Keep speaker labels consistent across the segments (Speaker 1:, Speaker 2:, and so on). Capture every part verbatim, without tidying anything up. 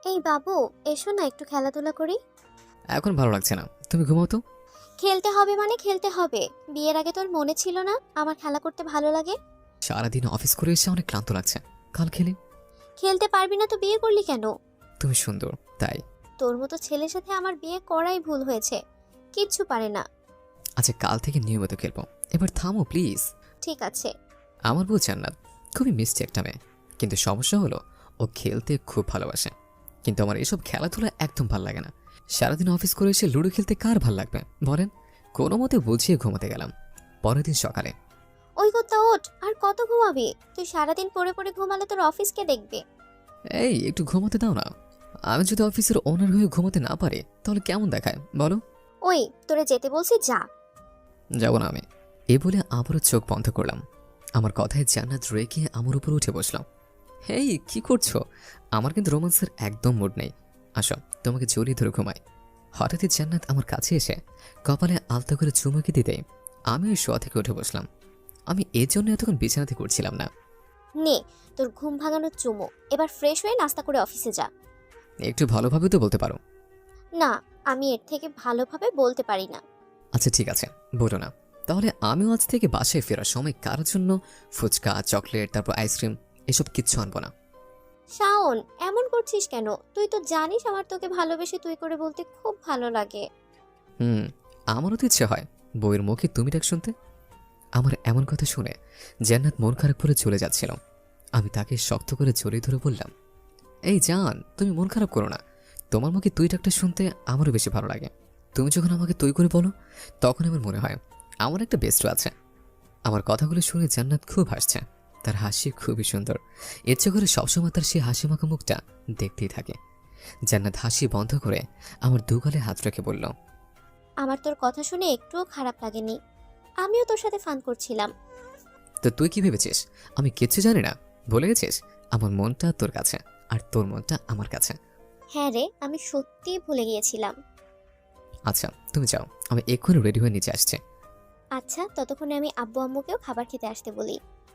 Speaker 1: এই বাবু, এসো না একটু খেলাধুলা করি।
Speaker 2: এখন ভালো লাগছে না, তুমি ঘুমাও তো।
Speaker 1: খেলতে হবে মানে খেলতে হবে। বিয়ের আগে তোর মনে ছিল না আমার খেলা করতে ভালো লাগে?
Speaker 2: সারাদিন অফিস করে এসে অনেক ক্লান্ত লাগছে, কাল খেলি।
Speaker 1: খেলতে পারবি না তো বিয়ে করলি কেন?
Speaker 2: তুমি সুন্দর তাই।
Speaker 1: তোর মতো ছেলের সাথে আমার বিয়ে করাই ভুল হয়েছে। কিচ্ছু পারে না।
Speaker 2: আচ্ছা কাল থেকে নিয়মিত খেলবো, এবার থামো প্লিজ।
Speaker 1: ঠিক আছে।
Speaker 2: আমার বউ জান্নাত খুবই মিষ্টি একটা মেয়ে, কিন্তু সমস্যা হলো ও খেলতে খুব ভালোবাসে। কিন্তু আমার এসব খেলাধুলা একদম ভাল লাগে না। সারাদিন অফিস করে এসে লুডো খেলতে কার ভাল লাগবে বলেন। কোনো মতে বুঝিয়ে ঘুমাতে গেলাম। পরের দিন সকালে,
Speaker 1: ওই কথা ওঠ, আর কত ঘুমাবি? তুই সারাদিন পড়ে পড়ে ঘুমালে তোর অফিসকে দেখবে।
Speaker 2: এই একটু ঘুমাতে দাও না। আমি যদি অফিসের ওনার হয়ে ঘুমাতে না পারি তাহলে কেমন দেখায় বলো।
Speaker 1: ওই, তোরে যেতে বলছি যা।
Speaker 2: যাব না আমি। এ বলে আবারও চোখ বন্ধ করলাম। আমার কথায় জান্নাত রেগে আমার উপর উঠে বসলাম। হেই কি করছো? আমার কিন্তু রোমান্সের একদম মুড নেই। আসো তোমাকে জড়িয়ে ধরে ঘুমাই। হঠাৎই জান্নাত আমার কাছে এসে কপালে আলতো করে চুমুকি দিতেই আমি ওই শোয়া থেকে উঠে বসলাম। আমি এর জন্য এতক্ষণ বিছানাতে করছিলাম না।
Speaker 1: নে, তোর ঘুম ভাঙানোর চুমো। এবার ফ্রেশ হয়ে নাস্তা করে অফিসে যা।
Speaker 2: একটু ভালোভাবে তো বলতে পারো।
Speaker 1: না, আমি এর থেকে ভালোভাবে বলতে পারি না।
Speaker 2: আচ্ছা ঠিক আছে, বলো না। তাহলে আমিও আজ থেকে বাসায় ফেরার সময় কারোর জন্য ফুচকা, চকলেট, তারপর আইসক্রিম এসব কিচ্ছু আনবো না।
Speaker 1: শাওন, এমন করছিস কেন? তুই তো জানিস আমার তোকে ভালোবেসে তুই করে বলতে খুব ভালো লাগে।
Speaker 2: হুম, আমারও তো ইচ্ছে হয় বউয়ের মুখে তুমি ডাক শুনতে। আমার এমন কথা শুনে জান্নাত মন খারাপ করে চলে যাচ্ছিল। আমি তাকে শক্ত করে জড়িয়ে ধরে বললাম, এই জান তুমি মন খারাপ করো না। তোমার মুখে তুই ডাকটা শুনতে আমারও বেশি ভালো লাগে। তুমি যখন আমাকে তুই করে বলো তখন আমার মনে হয় আমার একটা বেস্ট আছে। আমার কথাগুলো শুনে জান্নাত খুব হাসছে। তার হাসি খুবই সুন্দর। ইচ্ছে করে সবসময় তার সেই হাসি মাখা মুখটা দেখতেই থাকে। জান্নাত হাসি বন্ধ করে আমার দুগালে হাত রেখে বলল,
Speaker 1: আমার তোর কথা শুনে একটুও খারাপ লাগেনি। আমিও তোর সাথে ফান করছিলাম।
Speaker 2: তো তুই কি ভেবেছিস আমি কিচ্ছু জানি না? ভুলে গেছিস আমার মনটা তোর কাছে আর তোর মনটা আমার কাছে।
Speaker 1: হ্যাঁ রে, আমি সত্যিই ভুলে গিয়েছিলাম।
Speaker 2: আচ্ছা তুমি যাও, আমি এক্ষুনি রেডি হয়ে নিচে আসছি।
Speaker 1: আচ্ছা, ততক্ষণে আমি আব্বু আম্মুকেও খাবার খেতে আসতে বলি।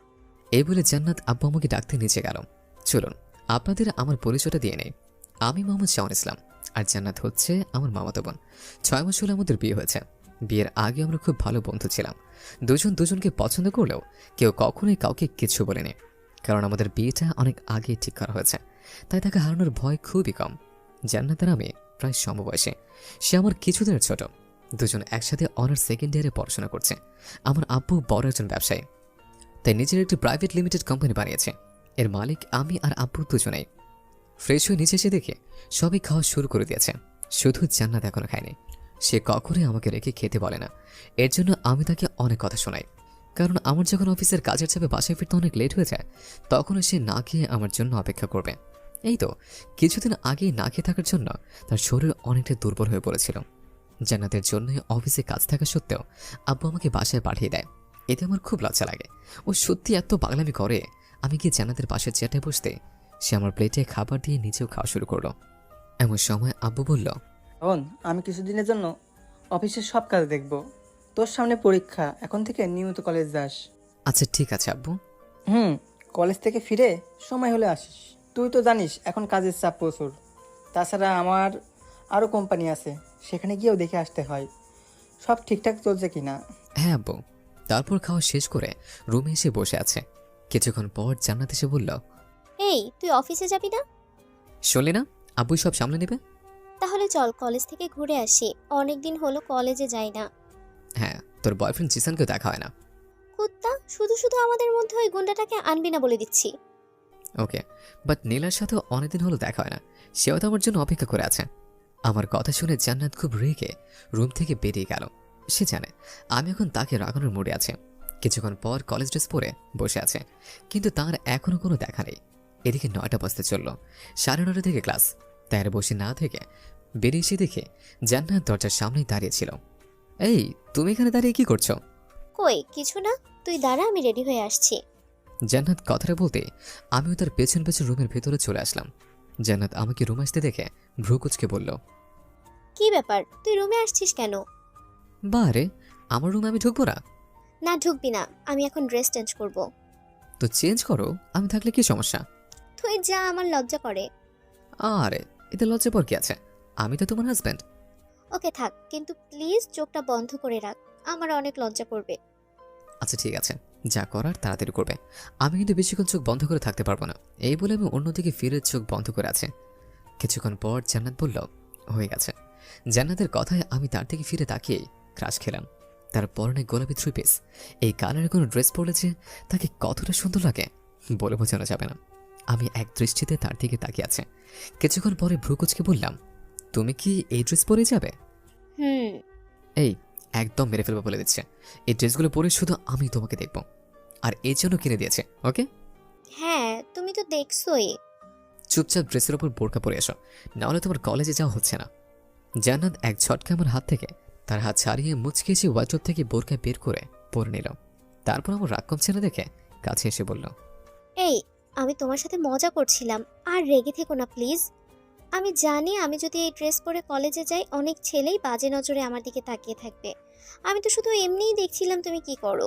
Speaker 2: এই বলে জান্নাত আব্বু আমাকে ডাকতে নিচে গেল। চলুন আপনাদের আমার পরিচয়টা দিয়ে নেই। আমি মোহাম্মদ শাওন ইসলাম, আর জান্নাত হচ্ছে আমার মামাতো বোন। ছয় মাস হলে আমাদের বিয়ে হয়েছে। বিয়ের আগে আমরা খুব ভালো বন্ধু ছিলাম। দুজন দুজনকে পছন্দ করলেও কেউ কখনোই কাউকে কিছু বলেনি, কারণ আমাদের বিয়েটা অনেক আগেই ঠিক করা হয়েছে। তাই তাকে হারানোর ভয় খুবই কম। জান্নাতের আমি প্রায় সমবয়সী, সে আমার কিছুদিনের ছোট। দুজন একসাথে অনার্স সেকেন্ড ইয়ারে পড়াশোনা করছে। আমার আব্বু বড় একজন ব্যবসায়ী, তাই নিজের একটি প্রাইভেট লিমিটেড কোম্পানি বানিয়েছে। এর মালিক আমি আর আব্বু দুজনেই। ফ্রেশ হয়ে নিচে এসে দেখে সবই খাওয়া শুরু করে দিয়েছে, শুধু জান্নাত এখনো খায়নি। সে কখনোই আমাকে রেখে খেতে বলে না। এর জন্য আমি তাকে অনেক কথা শোনাই, কারণ আমার যখন অফিসের কাজের চাপে বাসায় ফিরতে অনেক লেট হয়ে যায় তখনও সে না খেয়ে আমার জন্য অপেক্ষা করবে। এই তো কিছুদিন আগেই না খেয়ে থাকার জন্য তার শরীর অনেকটা দুর্বল হয়ে পড়েছিল। জান্নাতের জন্যই অফিসে কাজ থাকা সত্ত্বেও আব্বু আমাকে বাসায় পাঠিয়ে দেয়। এতে আমার খুব লজ্জা লাগে। ও সত্যি এত পাগলামি করে। আমি গিয়ে জান্নাতের পাশের চেয়ারটায় বসতে সে আমার প্লেটে খাবার দিয়ে নিজেও খাওয়া শুরু করলো। এমন সময় আব্বু বলল,
Speaker 3: শোন, আমি কিছুদিনের জন্য অফিসের সব কাজ দেখব। তোর সামনে পরীক্ষা, এখন থেকে নিয়মিত কলেজ যাস।
Speaker 2: আচ্ছা ঠিক আছে আব্বু।
Speaker 3: হুম, কলেজ থেকে ফিরে সময় হলে আসিস। তুই তো জানিস এখন কাজের চাপ প্রচুর। তাছাড়া আমার আরও কোম্পানি আছে, সেখানে গিয়েও দেখে আসতে হয় সব ঠিকঠাক চলছে কিনা।
Speaker 2: হ্যাঁ আব্বু। তারপর খাওয়া শেষ করে রুমে এসে বসে আছে। কিছুক্ষণ পর জান্নাত এসে বলল,
Speaker 1: এই, তুই অফিসে যাবি না?
Speaker 2: শুনলি না, আব্বু সব সামলে নেবে।
Speaker 1: তাহলে চল কলেজ থেকে ঘুরে আসি। অনেকদিন হলো কলেজে যাই না।
Speaker 2: হ্যাঁ, তোর বয়ফ্রেন্ড জিসানকেও দেখা হয় না।
Speaker 1: কুত্তা, শুধু শুধু আমাদের মধ্যে ওই গুন্ডাটাকে আনবি না বলে দিচ্ছি।
Speaker 2: ওকে, বাট নীলার সাথেও অনেকদিন হলো দেখা হয় না। সেও তো আমার জন্য অপেক্ষা করে আছে। আমার কথা শুনে জান্নাত খুব রেগে রুম থেকে বেরিয়ে গেল। সে জানে আমি এখন তাকে রাগানোর মুডে আছে। কিছুক্ষণ পর কলেজ ড্রেস পরে বসে আছে, কিন্তু তার এখনো কোনো দেখা নেই। এদিকে নয়টা বাজতে চলল, সাড়ে নটা থেকে ক্লাস। তাই আর বসে না থেকে বেরিয়ে এসে দেখে জান্নাত দরজার সামনেই দাঁড়িয়েছিল। এই তুমি এখানে দাঁড়িয়ে কি করছো?
Speaker 1: কই কিছু না, তুই দাঁড়া, আমি রেডি হয়ে আসছি।
Speaker 2: জান্নাত কথাটা বলতে আমিও তার পেছন পেছন রুমের ভেতরে চলে আসলাম। জান্নাত আমাকে রুম আসতে দেখে ভ্রু কুচকে বলল,
Speaker 1: কি ব্যাপার, তুই রুমে আসছিস কেন?
Speaker 2: বারে আমার রুমে আমি ঢুকবো না?
Speaker 1: না, ঢুকবি না। আমি এখন ড্রেস চেঞ্জ করব।
Speaker 2: তো চেঞ্জ করো, আমি থাকলে কি সমস্যা?
Speaker 1: তুই যা, আমার লজ্জা করে।
Speaker 2: আরে এতে লজ্জা পর কি আছে? আমি তো তোমার হাজব্যান্ড।
Speaker 1: ওকে থাক, কিন্তু প্লিজ চোখটা বন্ধ করে রাখ, আমার অনেক লজ্জা করবে।
Speaker 2: আচ্ছা ঠিক আছে, যা করার তাড়াতাড়ি করবে। আমি কিন্তু বেশিক্ষণ চোখ বন্ধ করে থাকতে পারবো না। এই বলে আমি অন্যদিকে ফিরে চোখ বন্ধ করে আছে। কিছুক্ষণ পর জান্নাত বলল, হয়ে গেছে। জান্নাতের কথায় আমি তার দিকে ফিরে তাকিয়েই ক্রাশ খেলাম। তার পরনে গোলাপি থ্রি পিস, এই কালারের কোনো ড্রেস পরেছে, তাকে কতটা সুন্দর লাগে বলে বোঝানো যাবে না। আমি এক দৃষ্টিতে তার দিকে তাকিয়ে আছে। কিছুক্ষণ পরে ভ্রুকুচকে বললাম, তুমি কি এই ড্রেস পরে যাবে?
Speaker 1: হুম।
Speaker 2: এই একদম মেরে ফেলবো বলে দিচ্ছে। এই ড্রেসগুলো পরে শুধু আমি তোমাকে দেখব, আর এই জন্য কিনে দিয়েছে। ওকে,
Speaker 1: হ্যাঁ, তুমি তো দেখছোই।
Speaker 2: চুপচাপ ড্রেসের ওপর বোরকা পরে এসো, নাহলে তোমার কলেজে যাওয়া হচ্ছে না। জান্নাত এক ঝটকা আমার হাত থেকে তার হাত ছাড়িয়ে মুচকে এসে ওয়ার্ড্রোব থেকে বোরকা বের করে পরে নিল। তারপর আমার রাগ কমছে না দেখে কাছে এসে বলল,
Speaker 1: এই, আমি তোমার সাথে মজা করছিলাম, আর রেগে থেকো না প্লিজ। আমি জানি আমি যদি এই ড্রেস পরে কলেজে যাই অনেক ছেলেই বাজে নজরে আমার দিকে তাকিয়ে থাকবে। আমি তো শুধু এমনিই দেখছিলাম তুমি কি করো।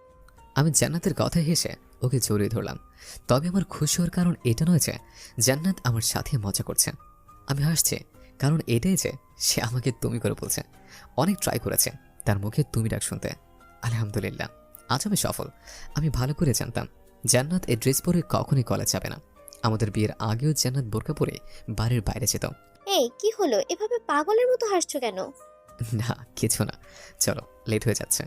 Speaker 2: আমি জান্নাতের কথা হেসে ওকে জড়িয়ে ধরলাম। তবে আমার খুশি হওয়ার কারণ এটা নয় যে জান্নাত আমার সাথে মজা করছে। আমি হাসছি কারণ এটাই যে সে আমাকে তুমি করে বলছে। অনেক ট্রাই করেছে তার মুখে তুমি ডাক শুনতে। আলহামদুলিল্লাহ, আজ আমি সফল। আমি ভালো করে জানতাম জান্নাত এই ড্রেস পরে কখনই কলেজ যাবে না। আমাদের বিয়ের আগেও জান্নাত বোরকা পরে বাড়ির বাইরে যেত।
Speaker 1: এই কি হলো, এভাবে পাগলের মতো হাসছো কেন?
Speaker 2: না কিছু না, চলো লেট হয়ে যাচ্ছে।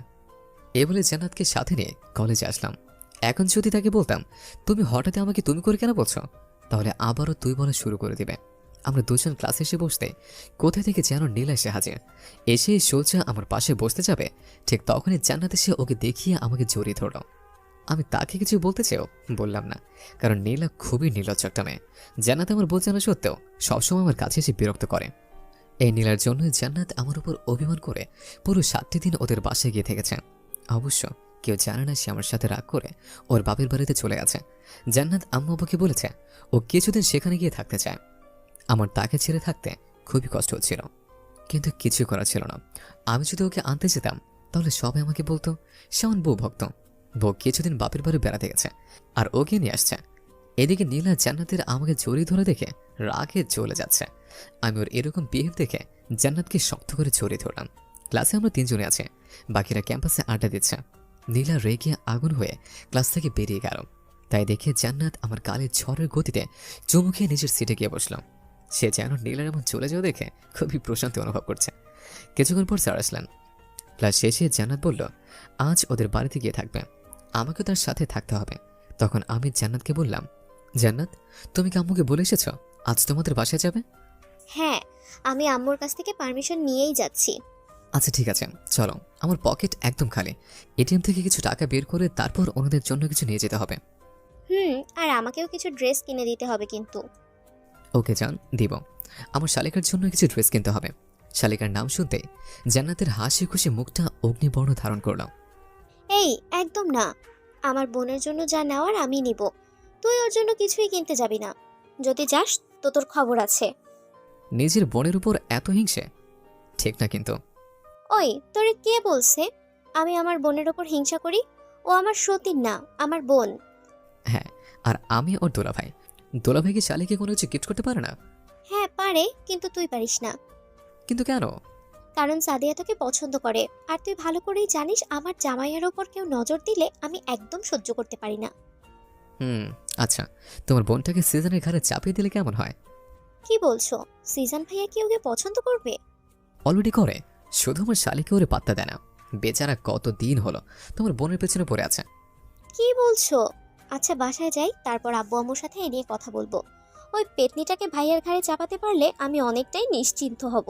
Speaker 2: এ বলে জান্নাতকে সাথে নিয়ে কলেজে আসলাম। এখন যদি তাকে বলতাম তুমি হঠাৎ আমাকে তুমি করে কেন বলছো, তাহলে আবারও তুই বলা শুরু করে দিবে। আমরা দুজন ক্লাসে এসে বসতে কোথা থেকে যেন নীল এসে হাজির। এসে সোজা আমার পাশে বসতে যাবে, ঠিক তখনই জান্নাত এসে ওকে দেখিয়ে আমাকে জড়িয়ে ধরল। আমি তাকে কিছু বলতে চেয়েও বললাম না, কারণ নীলা খুবই নির্লজ্জ একটা মেয়ে। জান্নাত আমার বোঝানো সত্ত্বেও সবসময় আমার কাছে এসে বিরক্ত করে। এই নীলার জন্যই জান্নাত আমার উপর অভিমান করে পুরো সাতটি দিন ওদের বাসায় গিয়ে থেকেছে। অবশ্য কেউ জানে না সে আমার সাথে রাগ করে ওর বাপের বাড়িতে চলে গেছে। জান্নাত আম্মু আব্বুকে বলেছে ও কিছুদিন সেখানে গিয়ে থাকতে চায়। আমার তাকে ছেড়ে থাকতে খুবই কষ্ট হচ্ছিল, কিন্তু কিছু করা ছিল না। আমি যদি ওকে আনতে যেতাম তাহলে সবাই আমাকে বলতো সে আমার বউ ভক্ত। বউ কিছুদিন বাপের বাড়ি বেড়াতে গেছে আর ওকে নিয়ে আসছে। এদিকে নীলা জান্নাতের আমাকে জড়িয়ে ধরে দেখে রাগে চলে যাচ্ছে। আমি ওর এরকম বিহেভ দেখে জান্নাতকে শক্ত করে জড়িয়ে ধরলাম। ক্লাসে আমরা তিনজনে আছি, বাকিরা ক্যাম্পাসে আড্ডা দিচ্ছে। নীলা রেগে আগুন হয়ে ক্লাস থেকে বেরিয়ে গেল। তাই দেখে জান্নাত আমার গালে ঝড়ের গতিতে চুমু খেয়ে নিজের সিটে গিয়ে বসলাম। সে যেন নীলার এমন চলে যাওয়া দেখে খুবই প্রশান্তি অনুভব করছে। কিছুক্ষণ পর স্যার আসলেন। ক্লাস শেষে জান্নাত বলল আজ ওদের বাড়িতে গিয়ে থাকবে, আমাকে তার সাথে থাকতে হবে। তখন আমি জান্নাতকে বললাম, জান্নাত তুমি কি আম্মুকে বলে এসেছ আজ তোমাদের বাসায় যাবে?
Speaker 1: হ্যাঁ, আমি আম্মুর কাছ থেকে পারমিশন নিয়েই যাচ্ছি।
Speaker 2: আচ্ছা ঠিক আছে, চলো। আমার পকেট একদম খালি, এটিএম থেকে কিছু টাকা বের করে তারপর ওনাদের জন্য কিছু নিয়ে যেতে হবে।
Speaker 1: হুম, আর আমাকেও কিছু ড্রেস কিনে দিতে হবে কিন্তু।
Speaker 2: ওকে জান, দিব। আমার শালিকার জন্য কিছু ড্রেস কিনতে হবে। শালিকার নাম শুনতে জান্নাতের হাসি খুশি মুখটা অগ্নিবর্ণ ধারণ করল।
Speaker 1: এই একদম না, আমার বোনের জন্য যা নেওয়ার আমি নিব, তুই ওর জন্য কিছুই কিনতে যাবি না। যদি যাস তো তোর খবর আছে।
Speaker 2: নিজের বোনের উপর এত হিংসে ঠিক না কিন্তু।
Speaker 1: ওই তোরে কে বলছে আমি আমার বোনের ওপর হিংসা করি? ও আমার সতীন না, আমার বোন।
Speaker 2: হ্যাঁ, আর আমি ওর দোলাভাই। দোলাভাই কি শালিকে কোনো কিছু গিফট করতে পারে না?
Speaker 1: হ্যাঁ পারে, কিন্তু তুই পারিস না।
Speaker 2: কিন্তু কেন?
Speaker 1: কারণ সাদিয়া তোকে পছন্দ করে, আর তুই ভালো করেই জানিস আমার জামাইয়ের ওপর কেউ নজর দিলে আমি একদম সহ্য করতে পারি না।
Speaker 2: হুম, আচ্ছা, তোমার বোনটাকে সিজনের ঘাড়ে চাপিয়ে দিলে কেমন হয়?
Speaker 1: কি বলছো? সিজন ভাইয়া কি ওকে পছন্দ করবে?
Speaker 2: অলরেডি করে, শুধু আমার শালিকে ওরে পাত্তা দেয় না। বেচারা কত দিন হলো তোমার বোনের পেছনে পড়ে আছে।
Speaker 1: কি বলছো? আচ্ছা বাসায় যাই, তারপর আব্বু আম্মুর সাথে এ নিয়ে কথা বলবো। ওই পেতনিটাকে ভাইয়ার ঘাড়ে চাপাতে পারলে আমি অনেকটাই নিশ্চিন্ত হব।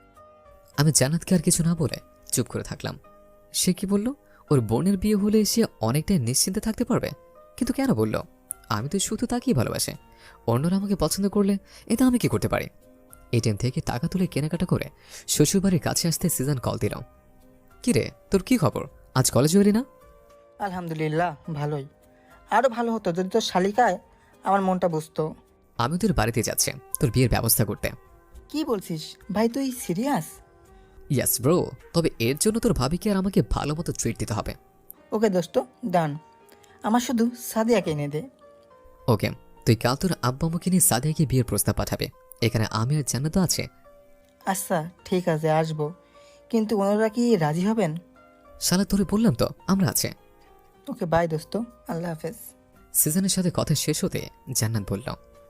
Speaker 2: আমি জান্নাতকে আর কিছু না বলে চুপ করে থাকলাম। সে কি বলল ওর বোনের বিয়ে হলে সে অনেকটাই নিশ্চিন্তে থাকতে পারবে? কিন্তু কেন বলল? আমি তো শুধু তাকেই ভালোবাসি। অন্যরা আমাকে পছন্দ করলে এটা আমি কি করতে পারি? এটিএম থেকে টাকা তুলে কেনাকাটা করে শ্বশুরবাড়ির কাছে আসতে সিজন কল দিল। কি রে, তোর কি খবর? আজ কলেজে এলি না?
Speaker 3: আলহামদুলিল্লাহ, ভালোই। আরও ভালো হতো যদি তোর শালিকায় আমার মনটা বুঝতো।
Speaker 2: আমি তোর বাড়িতে যাচ্ছি তোর বিয়ের ব্যবস্থা করতে।
Speaker 3: কি বলছিস ভাই, তুই সিরিয়াস?
Speaker 2: ইয়াস ব্রো, তবে এর জন্য তোর ভাবিকে আর আমাকে ভালো মতো ট্রিট দিতে হবে।
Speaker 3: ওকে দোস্ত, ডান। আমার শুধু সাদিয়াকে এনে দে।
Speaker 2: ওকে, তুই কাল তোর আব্বা আম্মুকে নিয়ে সাদিয়াকে বিয়ের প্রস্তাব পাঠাবে। এখানে আমি আর জান্নাত তো আছে।
Speaker 3: আচ্ছা ঠিক আছে, আসবো, কিন্তু ওনারা কি রাজি হবেন?
Speaker 2: শালা তোরে বললাম তো আমরা আছে।
Speaker 3: ওকে বাই দোস্ত, আল্লাহ হাফেজ।
Speaker 2: সিজনের সাথে কথা শেষ হতে জান্নাত বলল,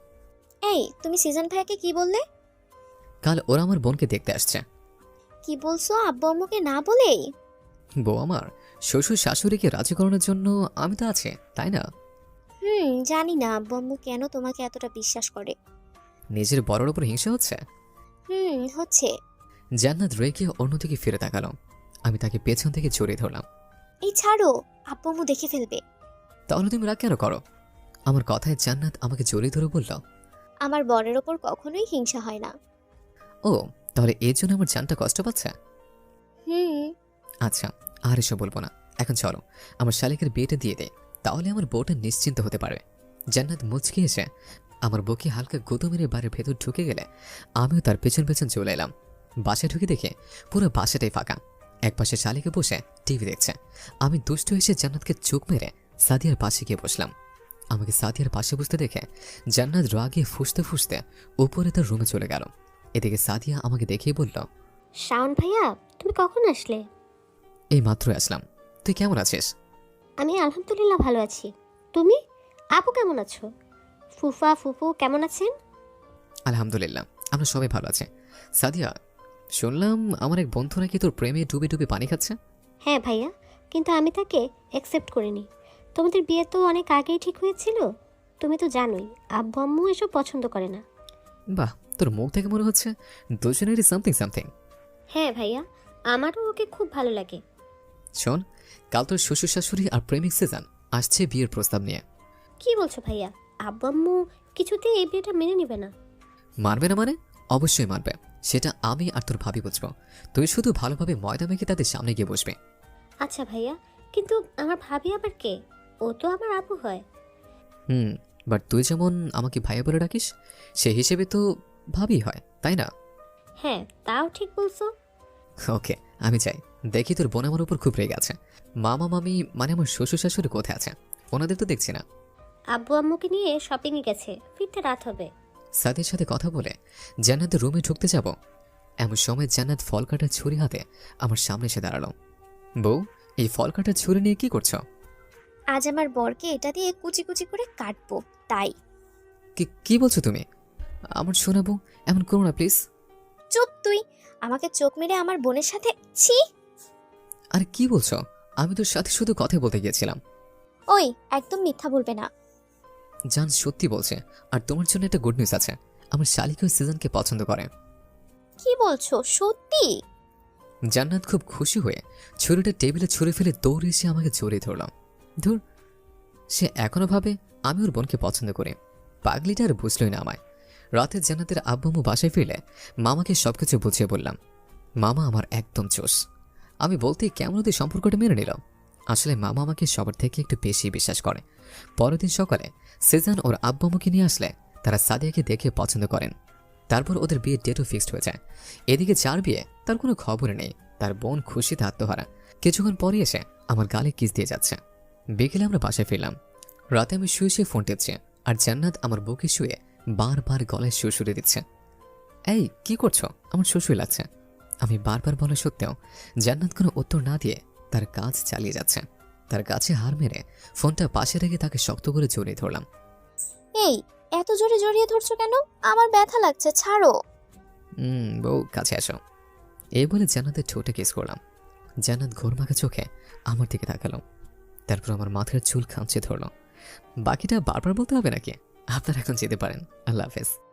Speaker 1: এই তুমি সিজন ভাইয়াকে কি বললে?
Speaker 2: কাল ওরা আমার বোনকে দেখতে আসছে।
Speaker 1: কি বলছো? আব্বু আম্মুকে না বলেই?
Speaker 2: বউ আমার শ্বশুর শাশুড়িকে রাজি করানোর জন্য আমি তো আছে, তাই না?
Speaker 1: হুম, জানি না আব্বু আম্মু কেন তোমাকে এতটা বিশ্বাস করে।
Speaker 2: নিজের বড়র উপর হিংসা হচ্ছে।
Speaker 1: হুম, হচ্ছে।
Speaker 2: জান্নাত রেগে অন্যদিকে ফিরে তাকালো। আমি তাকে পেছন থেকে জড়িয়ে ধরলাম।
Speaker 1: এই ছাড়ো, আব্বু আম্মু দেখে ফেলবে।
Speaker 2: তাহলে তুমি রাগ কেন করো? আমার কথায় জান্নাত আমাকে জড়িয়ে ধরে বলল,
Speaker 1: আমার বরের ওপর কখনোই হিংসা হয় না।
Speaker 2: ও তাহলে এর জন্য আমার জানটা কষ্ট পাচ্ছে?
Speaker 1: হুম।
Speaker 2: আচ্ছা, আর এসব বলবো না। এখন চলো আমার শালিকের বিয়েটা দিয়ে দে, তাহলে আমার বউটা নিশ্চিন্ত হতে পারবে। জান্নাত মুচকি এসে আমার বুকে হালকা গুঁতো মেরে বাড়ির ভেতর ঢুকে গেলে আমিও তার পেছন পেছন চলে এলাম। বাসায় ঢুকে দেখে পুরো বাসাটাই ফাঁকা। একপাশে শালিকে বসে টিভি দেখছে। আমি দুষ্ট এসে জান্নাতকে চোখ মেরে সাদিয়ার পাশে গিয়ে বসলাম। আমাকে সাদিয়ার পাশে বসতে দেখে জান্নাত রাগে ফুসতে ফুসতে উপরে তার রুমে চলে গেল। এদিকে সাদিয়া আমাকে দেখেই বলল,
Speaker 4: শাওন ভাইয়া, তুমি কখন আসলে?
Speaker 2: এই মাত্র আসলাম, তুই কেমন আছিস?
Speaker 4: আমি আলহামদুলিল্লাহ ভালো আছি। তুমি? আপু কেমন আছো? ফুফা ফুফু কেমন আছেন?
Speaker 2: আলহামদুলিল্লাহ আমরা সবাই ভালো আছি। সাদিয়া, শুনলাম আমার এক বন্ধু নাকি তোর প্রেমে ডুবে ডুবে পানি খাচ্ছে।
Speaker 4: হ্যাঁ ভাইয়া, কিন্তু আমি তাকে অ্যাকসেপ্ট করিনি। তোমাদের বিয়ে তো অনেক আগেই ঠিক হয়েছিল। তুমি তো জানোই আব্বু আম্মু এসব পছন্দ করে না।
Speaker 2: বাহ, তোর মুখ থেকে মনে হচ্ছে দুজনেরই সামথিং সামথিং।
Speaker 4: হ্যাঁ ভাইয়া, আমারও ওকে খুব ভালো লাগে।
Speaker 2: শোন, কাল তোর শ্বশুর শাশুড়ি আর প্রেমিক সিজন আসছে বিয়ের প্রস্তাব নিয়ে।
Speaker 4: কি বলছো ভাইয়া? আব্বু আম্মু কিছুতেই এই বিয়েটা মেনে নেবে না।
Speaker 2: মানবে না মানে? অবশ্যই মানবে, সেটা আমি আর তোর ভাবি বুঝবো। তুই শুধু ভালোভাবে ময়দা মেখে তাদের সামনে গিয়ে বসবে।
Speaker 4: আচ্ছা ভাইয়া, কিন্তু আমার ভাবি আবার কে? ও তো আমার আপু হয়।
Speaker 2: হুম, বাট তুই যেমন আমাকে ভাইয়া বলে ডাকিস, সেই হিসেবে তো ভাবি হয়, তাই না?
Speaker 4: হ্যাঁ, তাও ঠিক বলছো।
Speaker 2: ওকে, আমি চাই দেখি তোর বোন আমার উপর খুব রেগে আছে। মামা মামি মানে আমার শ্বশুর শাশুড়ি কোথায় আছে? ওনাদের তো দেখছি না।
Speaker 4: আব্বু আম্মুকে নিয়ে শপিংয়ে গেছে, ফিরতে রাত হবে।
Speaker 2: সাদিয়ার সাথে কথা বলে জান্নাতের রুমে ঢুকতে যাব, এমন সময় জান্নাত ফল কাটার ছুরি হাতে আমার সামনে এসে দাঁড়ালো। বউ, এই ফল কাটার ছুরি নিয়ে কি করছো?
Speaker 1: আজ আমার বরকে এটা দিয়ে কুচি কুচি করে কাটবো, তাই।
Speaker 2: কি কি বলছো তুমি? আমার শোনাবো, এমন করো না প্লিজ।
Speaker 1: চুপ তুই! আমাকে চোখ মেরে আমার বোনের সাথে ছি!
Speaker 2: আর কি বলছো? আমি তোর সাথে শুধু কথা বলতে গিয়েছিলাম।
Speaker 1: ওই, একদম মিথ্যা বলবে না।
Speaker 2: জান সত্যি বলছে, আর তোমার জন্য একটা গুড নিউজ আছে। আমার শালিকা ওই সিজনকে পছন্দ করে।
Speaker 1: কি বলছো? সত্যি?
Speaker 2: জান্নাত খুব খুশি হয়ে ছুরিটা টেবিলে ছুঁড়ে ফেলে দৌড়ে এসে আমাকে জড়িয়ে ধরলাম। ধুর, সে এখনো ভাবে আমি ওর বোনকে পছন্দ করি। পাগলিটা আর বুঝলই না আমায়। রাতে জান্নাতের আব্বাম্মু বাসায় ফিরলে মামাকে সবকিছু বুঝিয়ে বললাম। মামা আমার একদম চোষ। আমি বলতেই কেমন ওদের সম্পর্কটা মেনে নিল। আসলে মামা আমাকে সবার থেকে একটু বেশি বিশ্বাস করে। পরের দিন সকালে সিজন ওর আব্বাম্মুকে নিয়ে আসলে তারা সাদিয়াকে দেখে পছন্দ করেন। তারপর ওদের বিয়ের ডেটও ফিক্সড হয়ে যায়। এদিকে যার বিয়ে তার কোনো খবরে নেই, তার বোন খুশিতে আত্মহারা। কিছুক্ষণ পরে এসে আমার গালে কিস দিয়ে যাচ্ছে। বিকেলে আমরা বাসায় ফিরলাম। রাতে আমি শুয়ে শুয়ে ফোন টিপছি, আর জান্নাত আমার বুকে শুয়ে বারবার গলায় সুরসুরে দিচ্ছে। এই কি করছো? আমার শ্বশুর লাগছে। আমি বারবার বলা সত্ত্বেও জান্নাত কোনো উত্তর না দিয়ে তার কাজ চালিয়ে যাচ্ছে। তার কাছে হার মেরে ফোনটা পাশে রেখে তাকে শক্ত করে জড়িয়ে ধরলাম।
Speaker 1: এই, এত জোরে জড়িয়ে ধরছো কেন? আমার ব্যথা লাগছে, ছাড়ো।
Speaker 2: হুম, বউ কাছে আসো। এই বলে জান্নাতের ঠোঁটে কিস করলাম। জান্নাত ঘোরমাখা চোখে আমার দিকে তাকালো। তারপর আমার মাথার চুল খামচে ধরলো। বাকিটা বারবার বলতে হবে নাকি? আপনারা এখন যেতে পারেন। আল্লাহ হাফেজ।